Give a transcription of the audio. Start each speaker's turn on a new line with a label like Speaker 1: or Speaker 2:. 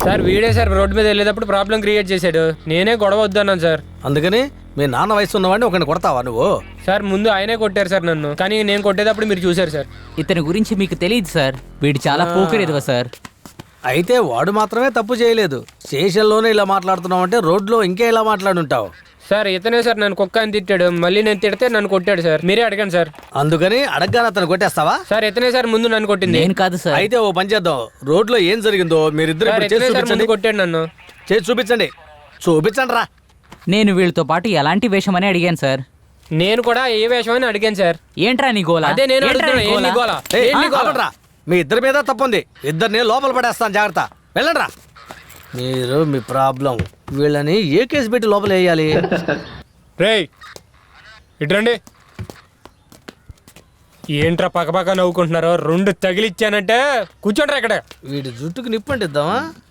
Speaker 1: Sir వీడే sir road మీద వెళ్ళేటప్పుడు ప్రాబ్లం క్రియేట్ చేశాడు. నేనే గొడవ వద్దన్నాను సార్.
Speaker 2: అందుకని మీ నాన్న వయసు ఉన్నవాడిని ఒకరిని కొడతావా నువ్వు?
Speaker 1: సార్ ముందు ఆయనే కొట్టారు సార్ నన్ను, కానీ నేను కొట్టేటప్పుడు మీరు చూశారు సార్.
Speaker 3: ఇతని గురించి మీకు తెలియదు సార్, వీడు చాలా పోకిరేదివా సార్.
Speaker 2: అయితే వాడు మాత్రమే తప్పు చేయలేదు. స్టేషన్లోనే ఇలా మాట్లాడుతున్నావు అంటే రోడ్లో ఇంకే ఇలా మాట్లాడుంటావు.
Speaker 1: సార్ ఇతనే సార్ నన్ను కుక్క అని తిట్టాడు, మళ్ళీ నేను తిడితే నన్ను కొట్టాడు సార్. మీరే అడగండి సార్.
Speaker 2: అందుకని అడగగానే అతను కొట్టేస్తావా?
Speaker 1: సార్ ఇతనే సార్ ముందు నన్ను కొట్టింది.
Speaker 3: నేను కాదు సార్.
Speaker 2: అయితే ఓ పని చేద్దాం, రోడ్లో ఏం జరిగిందో మీరిద్దరు
Speaker 1: సార్
Speaker 2: ఇప్పుడు చేసి
Speaker 1: ఇతనే సార్
Speaker 2: చూపించండి.
Speaker 1: ముందు కొట్టాడు నన్ను.
Speaker 2: చేసి చూపించండి. చూపించండి రా.
Speaker 3: నేను వీళ్ళతో పాటు ఎలాంటి వేషం అని అడిగాను సార్.
Speaker 1: నేను కూడా ఏ వేషం అని అడిగాను సార్.
Speaker 3: ఏంట్రా నీ గోల?
Speaker 1: అదే నేను
Speaker 3: ఏంట్రా
Speaker 1: అడుగుతున్నా,
Speaker 3: నీ
Speaker 1: ఏం
Speaker 3: గోల?
Speaker 1: నీ గోల?
Speaker 2: ఏయ్,
Speaker 1: ఏం నీ గోల?
Speaker 2: ఆపండ్రా. మీ ఇద్దరి మీద తప్పుంది. ఇద్దరిని లోపల పడేస్తాను, జాగ్రత్త. వెళ్ళండి రా. మీరు మీ ప్రాబ్లం, వీళ్ళని ఏ కేసు పెట్టి లోపల వేయాలి?
Speaker 1: రేయ్ ఇట్రండి. ఏంట్రా పక్కపక్క నవ్వుకుంటున్నారు? రెండు తగిలిచ్చానంటే కూర్చోండి ఇక్కడ.
Speaker 2: వీడి జుట్టుకు నిప్పంటిద్దామా?